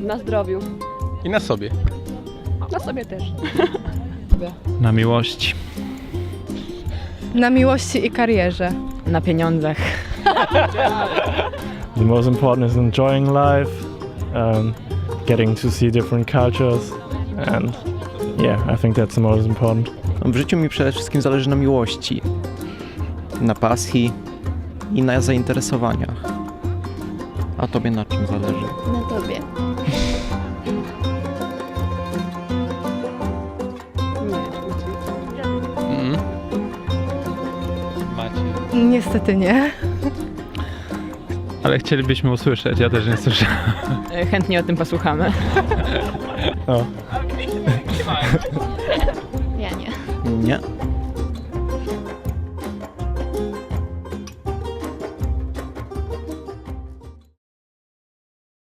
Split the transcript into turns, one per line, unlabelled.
Na zdrowiu.
I na sobie.
Na sobie też.
Na miłości.
Na miłości i karierze.
Na pieniądzach.
The most important is enjoying life, getting to see different cultures, and yeah, I think that's the most important.
W życiu mi przede wszystkim zależy na miłości, na pasji i na zainteresowaniach. A tobie na czym zależy?
Na tobie.
Macie.
Niestety nie.
Ale chcielibyśmy usłyszeć, ja też nie słyszę.
Chętnie o tym posłuchamy.
Oh.
Ja nie.
Nie.